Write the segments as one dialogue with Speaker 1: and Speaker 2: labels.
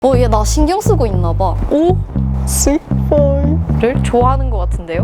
Speaker 1: 얘 나 신경 쓰고 있나 봐.
Speaker 2: 오? 스파이를 좋아하는 것 같은데요?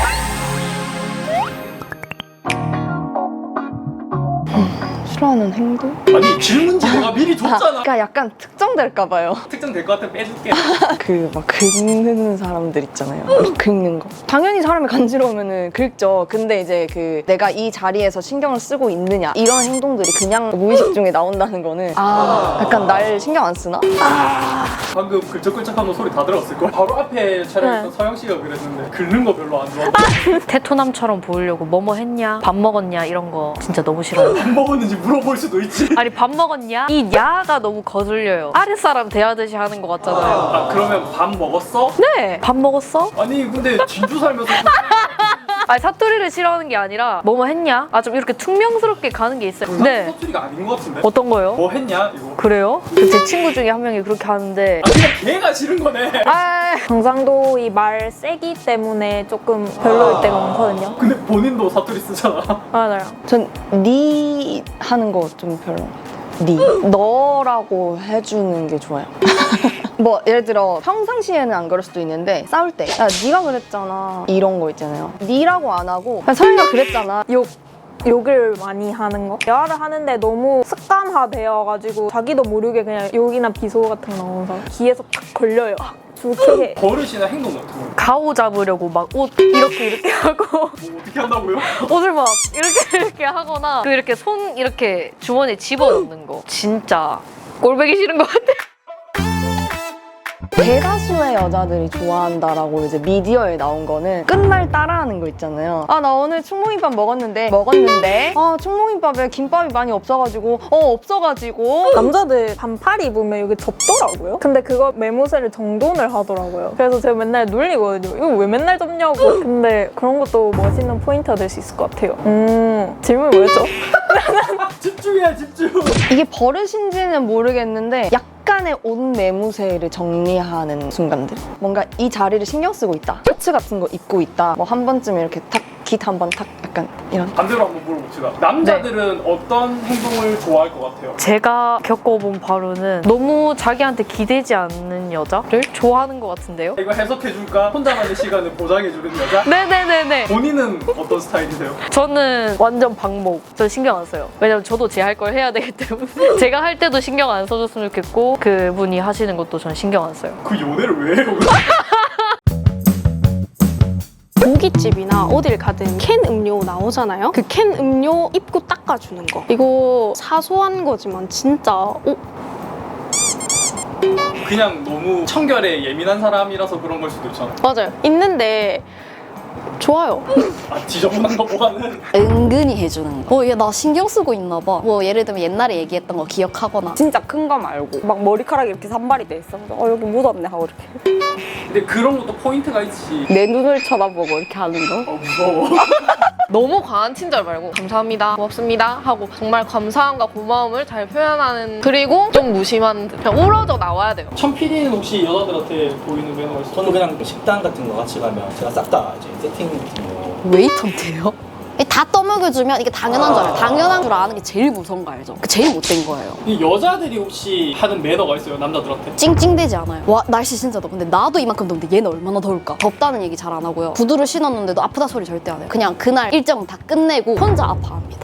Speaker 3: 싫어하는 행동?
Speaker 4: 아니 질문지 내가 미리 줬잖아.
Speaker 3: 그러니까 약간 특정될까봐요.
Speaker 4: 특정될 것 같으면 빼줄게.
Speaker 3: 그 막 긁는 사람들 있잖아요. 막 긁는 거. 당연히 사람이 간지러우면은 긁죠. 근데 이제 그 내가 이 자리에서 신경을 쓰고 있느냐 이런 행동들이 그냥 무의식 중에 나온다는 거는 약간 날 신경 안 쓰나?
Speaker 4: 방금 글쩍글쩍하는 소리 다 들었을 걸. 바로 앞에 차량에 있던 서영 씨가 그랬는데 긁는 거 별로 안 좋아한다.
Speaker 2: 테토남처럼 보이려고 뭐뭐 했냐? 밥 먹었냐? 이런 거 진짜 너무 싫어요.
Speaker 4: 안 먹었는지 물어볼 수도 있지.
Speaker 2: 아니 밥 먹었냐? 이 야가 너무 거슬려요. 아랫사람 대하듯이 하는 것 같잖아요.
Speaker 4: 아 그러면 밥 먹었어?
Speaker 2: 네! 밥 먹었어?
Speaker 4: 아니 근데 진주 살면서
Speaker 2: 아니 사투리를 싫어하는 게 아니라 뭐뭐 했냐? 아 좀 이렇게 퉁명스럽게 가는 게 있어요.
Speaker 4: 네.
Speaker 2: 네.
Speaker 4: 사투리가 아닌 것 같은데.
Speaker 2: 어떤 거요?
Speaker 4: 뭐 했냐 이거.
Speaker 2: 그래요? 제 친구 중에 한 명이 그렇게 하는데
Speaker 4: 아 그냥 걔가 싫은 거네.
Speaker 5: 경상도 이 말 세기 때문에 조금 별로일 때가 많거든요.
Speaker 4: 근데 본인도 사투리 쓰잖아.
Speaker 5: 맞아요.
Speaker 3: 전 니 하는 거 좀 별로. 니 너라고 해주는 게 좋아요. 뭐 예를 들어 평상시에는 안 그럴 수도 있는데 싸울 때 야 니가 그랬잖아 이런 거 있잖아요. 니라고 안 하고 야, 서영이가 그랬잖아.
Speaker 5: 욕을 많이 하는 거. 대화를 하는데 너무 습관화되어가지고 자기도 모르게 그냥 욕이나 비소 같은 거 나오면서 귀에서 탁 걸려요. 좋게 해.
Speaker 4: 버릇이나 행동 같은 거.
Speaker 2: 가오 잡으려고 막 옷 이렇게 하고
Speaker 4: 뭐 어떻게 한다고요?
Speaker 2: 옷을 막 이렇게 하거나 그 이렇게 손 이렇게 주머니에 집어넣는 거 진짜 꼴보기 싫은 것 같아.
Speaker 3: 대다수의 여자들이 좋아한다라고 이제 미디어에 나온 거는 끝말 따라하는 거 있잖아요. 아 나 오늘 충무김밥 먹었는데 아 충무김밥에 김밥이 많이 없어가지고
Speaker 5: 남자들 반팔 입으면 이게 좁더라고요. 근데 그거 매무새를 정돈을 하더라고요. 그래서 제가 맨날 놀리거든요. 이거 왜 맨날 좁냐고. 근데 그런 것도 멋있는 포인트가 될 수 있을 것 같아요. 질문이 뭐였죠?
Speaker 4: 집중해 집중.
Speaker 3: 이게 버릇인지는 모르겠는데 약간의 옷 매무새를 정리하는 순간들. 뭔가 이 자리를 신경 쓰고 있다. 셔츠 같은 거 입고 있다. 뭐 한 번쯤 이렇게 탁 깃 한 번 탁 약간 이런.
Speaker 4: 반대로 한번 물어봅시다. 남자들은 어떤 행동을 좋아할 것 같아요?
Speaker 2: 제가 겪어본 바로는 너무 자기한테 기대지 않는 여자를 좋아하는 것 같은데요?
Speaker 4: 이거 해석해줄까? 혼자만의 시간을 보장해주는 여자?
Speaker 2: 네네네네.
Speaker 4: 본인은 어떤 스타일이세요?
Speaker 2: 저는 완전 방목. 저 신경 안 써요. 왜냐면 저도 제 할 걸 해야 되기 때문에. 제가 할 때도 신경 안 써줬으면 좋겠고 그분이 하시는 것도 전 신경 안 써요.
Speaker 4: 그 연애를 왜 해요?
Speaker 6: 고깃집이나 어딜 가든 캔 음료 나오잖아요. 그 캔 음료 입구 닦아주는 거. 이거 사소한 거지만 진짜
Speaker 4: 그냥 너무 청결에 예민한 사람이라서 그런 걸 수도 있잖아.
Speaker 6: 맞아요. 있는데 좋아요.
Speaker 4: 아 지저분한 것보다는
Speaker 1: 은근히 해주는 거. 얘 나 신경 쓰고 있나 봐. 뭐 예를 들면 옛날에 얘기했던 거 기억하거나.
Speaker 7: 진짜 큰 거 말고 막 머리카락이 이렇게 산발이 돼 있어. 여기 묻었네 하고 이렇게
Speaker 4: 근데 그런 것도 포인트가 있지.
Speaker 7: 내 눈을 쳐다보고 이렇게 하는 거.
Speaker 4: 무서워.
Speaker 2: 너무 과한 친절 말고 감사합니다, 고맙습니다 하고 정말 감사함과 고마움을 잘 표현하는 그리고 좀 무심한 듯 그냥 우러져 나와야 돼요.
Speaker 4: 천 PD는 혹시 여자들한테 보이는 매너가 있어요?
Speaker 8: 저는 그냥 식당 같은 거 같이 가면 제가 싹 다 이제 세팅 같은 거
Speaker 1: 웨이터인데요? 다 떠먹여주면 이게 당연한 줄 알아요. 당연한 줄 아는 게 제일 무서운 거 알죠? 그 제일 못된 거예요.
Speaker 4: 이 여자들이 혹시 하는 매너가 있어요? 남자들한테?
Speaker 1: 찡찡대지 않아요. 와 날씨 진짜 더워. 근데 나도 이만큼 더운데 얘는 얼마나 더울까? 덥다는 얘기 잘 안 하고요. 구두를 신었는데도 아프다 소리 절대 안 해요. 그냥 그날 일정 다 끝내고 혼자 아파합니다.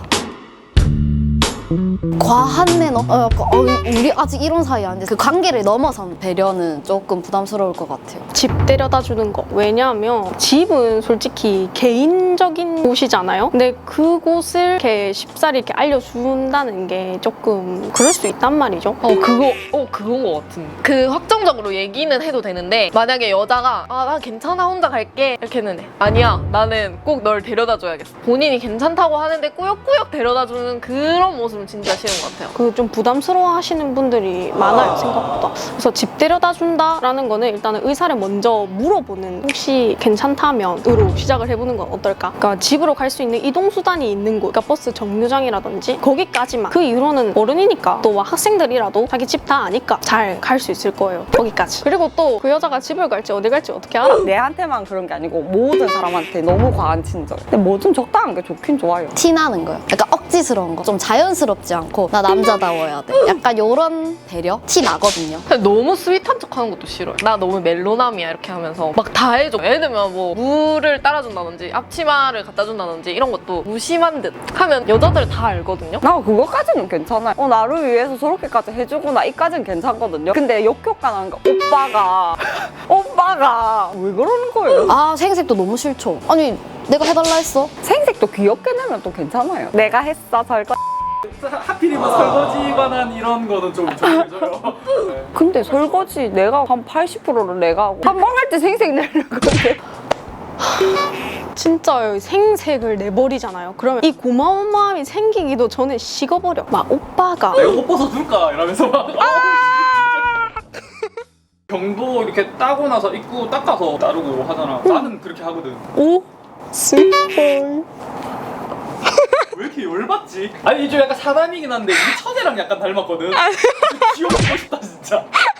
Speaker 1: 과한 매너? 우리 아직 이런 사이 아닌데 그 관계를 넘어선 배려는 조금 부담스러울 것 같아요.
Speaker 6: 집 데려다 주는 거. 왜냐하면 집은 솔직히 개인적인 곳이잖아요. 근데 그곳을 이렇게 쉽사리 이렇게 알려준다는 게 조금 그럴 수 있단 말이죠.
Speaker 2: 그건 것 같은데. 그 확정적으로 얘기는 해도 되는데 만약에 여자가 나 괜찮아 혼자 갈게 이렇게 했는데 아니야 나는 꼭 널 데려다 줘야겠어. 본인이 괜찮다고 하는데 꾸역꾸역 데려다 주는 그런 모습은 진짜 싫은 것 같아요.
Speaker 6: 그 좀 부담스러워 하시는 분들이 많아요, 생각보다. 그래서 집 데려다 준다라는 거는 일단은 의사를 먼저 물어보는 혹시 괜찮다면으로 시작을 해보는 건 어떨까? 그러니까 집으로 갈 수 있는 이동수단이 있는 곳, 그러니까 버스 정류장이라든지 거기까지만. 그 이후로는 어른이니까 또 학생들이라도 자기 집 다 아니까 잘 갈 수 있을 거예요, 거기까지. 그리고 또 그 여자가 집을 갈지 어디 갈지 어떻게 알아?
Speaker 7: 내한테만 그런 게 아니고 모든 사람한테 너무 과한 친절. 근데 뭐 좀 적당한 게 좋긴 좋아요.
Speaker 1: 티나는 거요. 약간 억지스러운 거. 좀 자연스럽지 않고 나 남자다워야 돼. 약간 요런 배려? 티 나거든요.
Speaker 2: 근데 너무 스윗한 척 하는 것도 싫어요. 나 너무 멜로남이야 이렇게 하면서 막 다 해줘. 예를 들면 뭐 물을 따라준다든지 앞치마를 갖다 준다든지 이런 것도 무심한 듯 하면 여자들 다 알거든요.
Speaker 7: 나 그거까지는 괜찮아요. 나를 위해서 저렇게까지 해주구나 이까지는 괜찮거든요. 근데 역효과 나는 거 오빠가 왜 그러는 거예요?
Speaker 1: 아 생색도 너무 싫죠. 아니 내가 해달라 했어.
Speaker 7: 생색도 귀엽게 내면 또 괜찮아요. 내가 했어 설거.
Speaker 4: 하필이면 설거지 관한 이런 거는 좀 조심해줘요. 네.
Speaker 7: 근데 설거지 내가 한 80%를 내가 하고 한 번 할 때 생색 내려고 근데
Speaker 6: 진짜 생색을 내버리잖아요. 그러면 이 고마운 마음이 생기기도 전에 식어버려. 막 오빠가
Speaker 4: 내가 옷 벗어줄까? 이러면서 막 경도 이렇게 따고 나서 입고 닦아서 따르고 하잖아. 나는 그렇게 하거든.
Speaker 6: 오 슬퍼.
Speaker 4: 왜 이렇게 열받지? 아니 좀 약간 사람이긴 한데 우리 처제랑 약간 닮았거든. 지워보고 싶다 진짜.